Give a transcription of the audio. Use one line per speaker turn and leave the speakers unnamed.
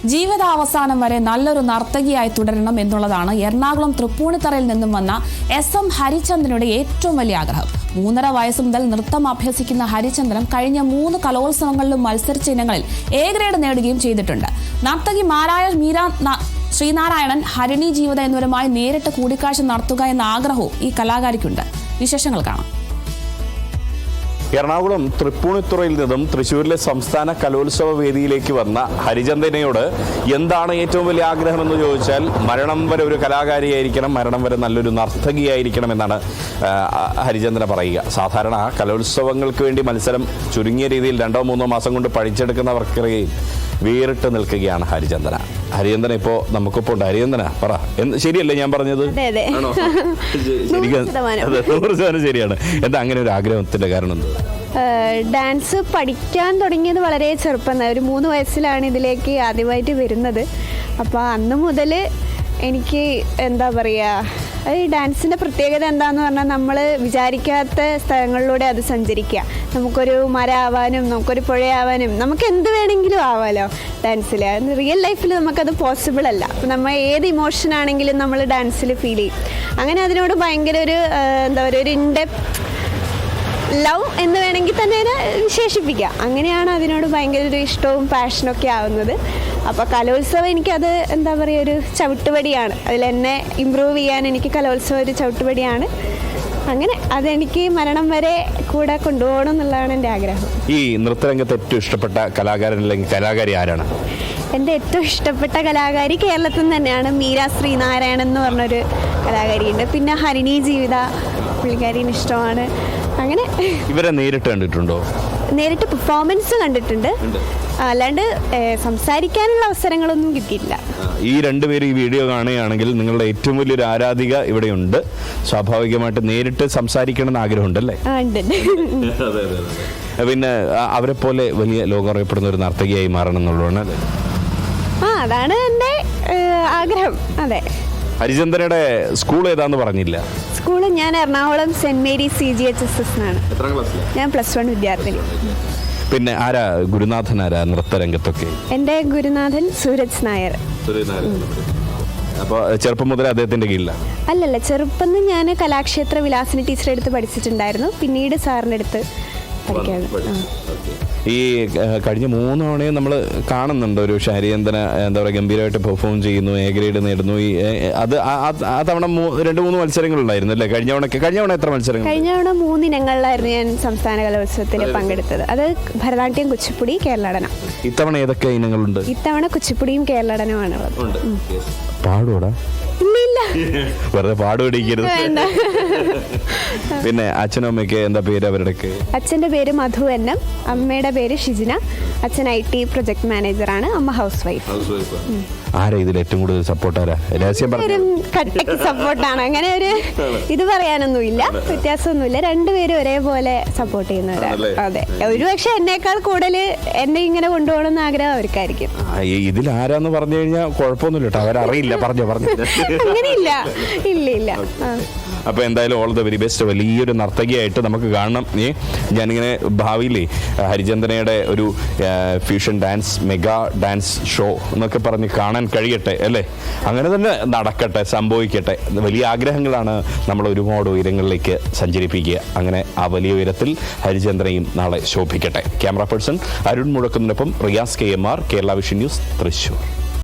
ജീവിതാവസാനം വരെ നല്ലൊരു നർത്തകിയായി തുടരണം എന്നുള്ളതാണ് എറണാകുളം തൃപ്പൂണിത്തറയിൽ നിന്നും വന്ന SM ഹരിചന്ദ്രനുടെ ഏറ്റവും വലിയ ആഗ്രഹം. 3.5 വയസ്സ് മുതൽ നൃത്തം അഭ്യസിക്കുന്ന ഹരിചന്ദ്രൻ കഴിഞ്ഞ 3 കലോത്സവങ്ങളിലും മത്സരിച്ച ഇനങ്ങളിൽ A ഗ്രേഡ് നേടുകയും ചെയ്തിട്ടുണ്ട്. നർത്തകി മീര ശ്രീനാരായണൻ, ഹരിണി ജീവിത എന്നിവരുമായി നേരിട്ട് കൂടിക്കാഴ്ച നടത്തുക എന്ന ആഗ്രഹവും ഈ കലാകാരിക്കുണ്ട്. വിശേഷങ്ങൾ കാണാം.
എറണാകുളം തൃപ്പൂണിത്തുറയിൽ നിന്നും തൃശ്ശൂരിലെ സംസ്ഥാന കലോത്സവ വേദിയിലേക്ക് വന്ന ഹരിചന്ദ്രനയോട് എന്താണ് ഏറ്റവും വലിയ ആഗ്രഹമെന്ന് ചോദിച്ചാൽ മരണം വരെ ഒരു കലാകാരിയായിരിക്കണം, മരണം വരെ നല്ലൊരു നർത്തകിയായിരിക്കണം എന്നാണ് ഹരിചന്ദ്രൻ പറയുക. സാധാരണ കലോത്സവങ്ങൾക്ക് വേണ്ടി മത്സരം ചുരുങ്ങിയ രീതിയിൽ 2-3 മാസം കൊണ്ട് പഠിച്ചെടുക്കുന്നവർക്കിടയിൽ വേറിട്ട് നിൽക്കുകയാണ് ഹരിചന്ദ്രൻ. ഹരിചന്ദ്രൻ ഇപ്പോൾ നമുക്കിപ്പോൾ ഉണ്ട്. ഹരിചന്ദ്രൻ പറ, ശരിയല്ലേ ഞാൻ പറഞ്ഞത്? ആണോ? 100% ശരിയാണ്. എന്താ അങ്ങനെ ഒരു ആഗ്രഹത്തിന്റെ കാരണം?
ഡാൻസ് പഠിക്കാൻ തുടങ്ങിയത് വളരെ ചെറുപ്പം, ഒരു 3 വയസ്സിലാണ് ഇതിലേക്ക് ആദ്യമായിട്ട് വരുന്നത്. അപ്പോൾ അന്ന് മുതൽ എനിക്ക് എന്താ പറയുക, ഈ ഡാൻസിൻ്റെ പ്രത്യേകത എന്താണെന്ന് പറഞ്ഞാൽ നമ്മൾ വിചാരിക്കാത്ത സ്ഥലങ്ങളിലൂടെ അത് സഞ്ചരിക്കുക. നമുക്കൊരു മരമാവാനും നമുക്കൊരു പുഴയാവാനും നമുക്ക് എന്ത് വേണമെങ്കിലും ആവാമല്ലോ ഡാൻസിൽ. റിയൽ ലൈഫിൽ നമുക്കത് പോസിബിൾ അല്ല. അപ്പോൾ നമ്മൾ ഏത് ഇമോഷൻ ആണെങ്കിലും നമ്മൾ ഡാൻസിൽ ഫീൽ ചെയ്യും. അങ്ങനെ അതിനോട് ഭയങ്കര ഒരു എന്താ പറയുക, ഒരു ഇൻഡെപ്ത് ലവ് എന്ന് വേണമെങ്കിൽ തന്നെ വിശേഷിപ്പിക്കാം. അങ്ങനെയാണ് അതിനോട് ഭയങ്കര ഒരു ഇഷ്ടവും പാഷനൊക്കെ ആവുന്നത്. അപ്പോൾ കലോത്സവം എനിക്കത് എന്താ പറയുക, ഒരു ചവിട്ടുപടിയാണ്. അതിലെന്നെ ഇമ്പ്രൂവ് ചെയ്യാൻ എനിക്ക് കലോത്സവം ഒരു ചവിട്ടുപടിയാണ്. അങ്ങനെ അതെനിക്ക് മരണം വരെ കൂടെ കൊണ്ടുപോകണം എന്നുള്ളതാണ് എൻ്റെ ആഗ്രഹം.
ഈ നൃത്തരംഗത്ത് ഏറ്റവും ഇഷ്ടപ്പെട്ട കലാകാരൻ അല്ലെങ്കിൽ കലാകാരി ആരാണ്?
എൻ്റെ ഏറ്റവും ഇഷ്ടപ്പെട്ട കലാകാരി കേരളത്തിൽ നിന്ന് തന്നെയാണ് മീര ശ്രീനാരായണൻ എന്ന് പറഞ്ഞൊരു കലാകാരിയുണ്ട്. പിന്നെ ഹരിണി ജീവിത, പുള്ളിക്കാരിന് ഇഷ്ടമാണ്. അങ്ങനെ
ഇവരെ നേരിട്ട് കണ്ടിട്ടുണ്ടോ?
നേരിട്ട് പെർഫോമൻസ് കണ്ടിട്ടുണ്ട്, അല്ലാണ്ട് സംസാരിക്കാനുള്ള അവസരങ്ങളൊന്നും കിട്ടിയിട്ടില്ല.
ഈ രണ്ടുപേരും ഈ വീഡിയോ കാണുകയാണെങ്കിൽ നിങ്ങളുടെ ഏറ്റവും വലിയൊരു ആരാധിക ഇവിടെയുണ്ട്. സ്വാഭാവികമായിട്ട് നേരിട്ട് സംസാരിക്കണമെന്ന് ആഗ്രഹമുണ്ടല്ലേ? പിന്നെ അവരെ പോലെ വലിയ ലോകം അറിയപ്പെടുന്ന ഒരു നർത്തകിയായി മാറണം എന്നുള്ളതാണ് അല്ലേ?
അതാണ് എൻ്റെ ആഗ്രഹം. അതെ.
ഹരിചന്ദ്രയുടെ സ്കൂൾ ഏതാന്ന് പറഞ്ഞില്ല.
സ്കൂള് ഞാൻ എറണാകുളം സെന്റ് മേരീസ് CGHSS എന്നാണ്. ഞാൻ +1 വിദ്യാർത്ഥിനി.
പിന്നെ ആരാ ഗുരുനാഥൻ? ആരാ നൃത്തരംഗത്തൊക്കെ? എൻ്റെ
ഗുരുനാഥൻ സൂരജ് നായർ.
അപ്പോൾ ചെറുപ്പം മുതൽ അദ്ദേഹത്തിന്റെ കീഴിലാണ്?
അല്ലല്ല, ചെറുപ്പം ഞാൻ കലാക്ഷേത്ര വിലാസിനി ടീച്ചറെ അടുത്ത് പഠിച്ചിട്ടുണ്ടായിരുന്നു. പിന്നീട് സാറിൻ്റെ അടുത്ത് പഠിക്കാണ്.
ഈ കഴിഞ്ഞ 3 തവണയും നമ്മൾ കാണുന്നുണ്ട് ഒരു ഹരിചന്ദ്രൻ എന്താ പറയുക, ഗംഭീരമായിട്ട് പെർഫോം ചെയ്യുന്നു, A ഗ്രേഡ് നേടുന്നു. അത് ആ തവണ 2-3 മത്സരങ്ങളുണ്ടായിരുന്നു അല്ലേ? കഴിഞ്ഞ തവണ എത്ര മത്സരങ്ങൾ?
കഴിഞ്ഞ തവണ 3 ഇനങ്ങളിലായിരുന്നു ഞാൻ സംസ്ഥാന കലോത്സവത്തിൽ പങ്കെടുത്തത്. അത് ഭരതനാട്യം, കുച്ചിപ്പുടി, കേരളടനം.
ഇത്തവണ ഏതൊക്കെ ഇനങ്ങളുണ്ട്?
ഇത്തവണ കുച്ചിപ്പുടിയും കേരളടനമാണ്.
പാടൂടാ?
ഇല്ല,
വെറുതെ പാടുപിടിക്കരുത്. പിന്നെ അച്ഛനും അമ്മയ്ക്ക് എന്താ പേര് അവരുടെയൊക്കെ?
അച്ഛൻ്റെ പേര് മധു NM, അമ്മയുടെ പേര് ഷിജിന. അച്ഛൻ IT പ്രൊജക്ട് മാനേജറാണ്, അമ്മ ഹൗസ് വൈഫ്.
ആരാ ഇതിൽ ഏറ്റവും കൂടുതൽ സപ്പോർട്ടാരാ? രഹസ്യം പറഞ്ഞു.
കട്ടക്ക് സപ്പോർട്ടാണ്. അങ്ങനെ ഒരു ഇത് പറയാനൊന്നുമില്ല, വ്യത്യാസമൊന്നുമില്ല. രണ്ടുപേരും ഒരേപോലെ സപ്പോർട്ട് ചെയ്യുന്നവരാണ്. അതെ, ഒരുപക്ഷെ എന്നേക്കാൾ കൂടുതൽ എന്നെ ഇങ്ങനെ കൊണ്ടുപോകണമെന്ന് ആഗ്രഹം അവർക്കായിരിക്കും.
ഇതിൽ ആരാന്ന് പറഞ്ഞു കഴിഞ്ഞാൽ കുഴപ്പമൊന്നുമില്ല കേട്ടോ, അവരറിയില്ല. പറഞ്ഞു
അങ്ങനെയില്ല. ഇല്ല.
അപ്പോൾ എന്തായാലും ഓൾ ദ വെരി ബെസ്റ്റ്. വലിയൊരു നർത്തകിയായിട്ട് നമുക്ക് കാണണം. ഞാനിങ്ങനെ ഭാവിയിലേ ഹരിചന്ദ്രനയുടെ ഒരു fusion dance, mega dance show എന്നൊക്കെ പറഞ്ഞ് കാണാൻ കഴിയട്ടെ അല്ലേ? അങ്ങനെ തന്നെ നടക്കട്ടെ, സംഭവിക്കട്ടെ. വലിയ ആഗ്രഹങ്ങളാണ് നമ്മൾ ഒരുപാട് ഉയരങ്ങളിലേക്ക് സഞ്ചരിപ്പിക്കുക. അങ്ങനെ ആ വലിയ ഉയരത്തിൽ ഹരിചന്ദ്രനെയും നാളെ ശോഭിക്കട്ടെ. ക്യാമറ പേഴ്സൺ അരുൺ മുഴക്കുന്നതിനൊപ്പം Riyas KMR, Kerala vision news, Thrissur.